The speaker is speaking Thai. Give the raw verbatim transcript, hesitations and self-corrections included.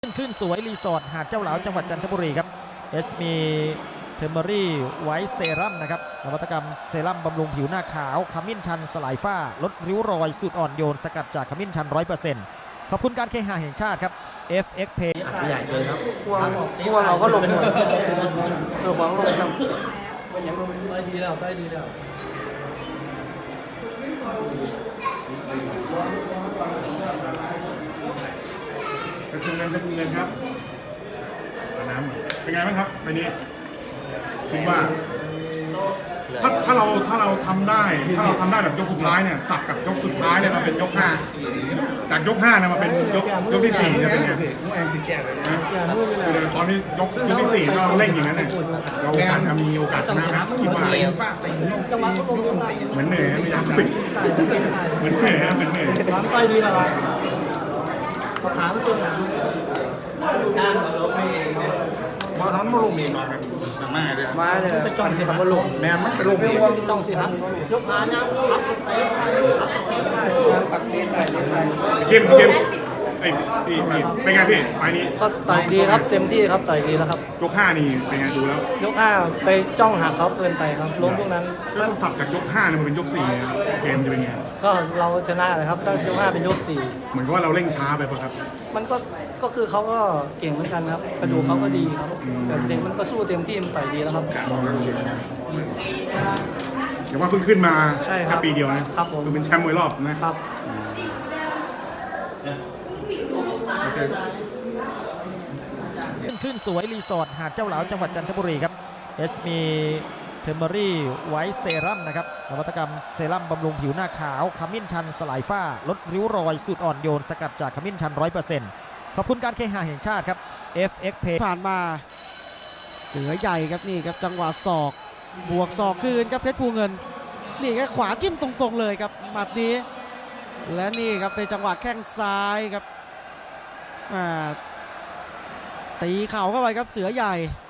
ขึ้นสวยรีสอร์ทหาดเจ้าหลาวจังหวัดจันทบุรีครับเอสมีเทอร์เมอรี่ไวท์เซรั่มนะครับนวัตกรรมเซรั่มบำรุงผิวหน้าขาวขมิ้นชันสลายฝ้าลดริ้วรอยสูตรอ่อนโยนสกัดจากขมิ้นชัน ร้อยเปอร์เซ็นต์ ขอบคุณการเคหะแห่งชาติครับ เอฟ เอ็กซ์ Pay ใหญ่เลยครับพวกพวกเราก็ลงหมดเออหวังลงครับได้ดีแล้วได้ดีแล้วกระชุมเงินกระชุมเงินครับเอาน้ำก่อนเป็นไงบ้างครับวันนี้คิดว่าถ้าถ้าเราถ้าเราทำได้ถ้าเราทำได้แบบยกสุดท้ายเนี่ยสับกับยกสุดท้ายเนี่ยมาเป็นยกห้าจากยกห้าเนี่ยมาเป็นยกยกที่สี่จะเป็นไงนะคือตอนนี้ยกยกที่สี่เราเล่นอย่างนั้นเนี่ยเราอาจจะมีโอกาสชนะนะคิดว่าเตะฟาดเตะยกตียกตีเหมือนเหนื่อยพยายามปิดใส่ใส่ใส่เหมือนเหนื่อยนะเหมือนเหนื่อยร้านใต้ดีแล้วหาไม่เจอหาด้านเราไม่เองเนี่ยมาทำมาลงเองมาเลยมาเลยไปจ้องสิครับมาลงแมนมันไปลงเองจ้องสิครับยกหาน้ำรับเตะใส่รับเตะใส่ปักเตะใส่ใส่เข้มเข้มไอ้พี่พี่เป็นไงพี่ไฟนี้ก็ต่อยดีครับเต็มที่ครับต่อยดีแล้วครับยกห้านี่เป็นไงดูแล้วยกห้าไปจ้องหักเขาเกินไปครับล้มพวกนั้นแล้วสับจากยกห้าเนี่ยมันเป็นยกสี่นะครับเกมจะเป็นไงก็เราชนะเลยครับตั้งยกห้าเป็นยกสี่เหมือนกับว่าเราเร่งช้าไปป่ะครับมันก็ก็คือเขาก็เก่งเหมือนกันครับกระดูกเขาก็ดีครับแต่เด็กมันก็สู้เต็มที่มันต่อยดีแล้วครับแต่ว่าเพิ่งขึ้นมาใช่ครับแค่ปีเดียวนะครับผมคือเป็นแชมป์มวยรอบนะครับ โอเคขึ้นสวยรีสอร์ทหาดเจ้าหลาวจังหวัดจันทบุรีครับเอสมีเทอร์เมอรี่ไวท์เซรั่มนะครับนวัตกรรมเซรั่มบำรุงผิวหน้าขาวขมิ้นชันสลายฝ้าลดริ้วรอยสูตรอ่อนโยนสกัดจากขมิ้นชัน ร้อยเปอร์เซ็นต์ ขอบคุณการเคหะแห่งชาติครับ เอฟ เอ็กซ์ Pay ผ่านมาเสือใหญ่ครับนี่ครับจังหวะศอกบวกศอกคืนครับเพชรภูเงินนี่ครับขวาจิ้มตรงๆเลยครับหมัดนี้และนี่ครับเป็นจังหวะแข้งซ้ายครับอ่าตีเข่าเข้าไปครับเสือใหญ่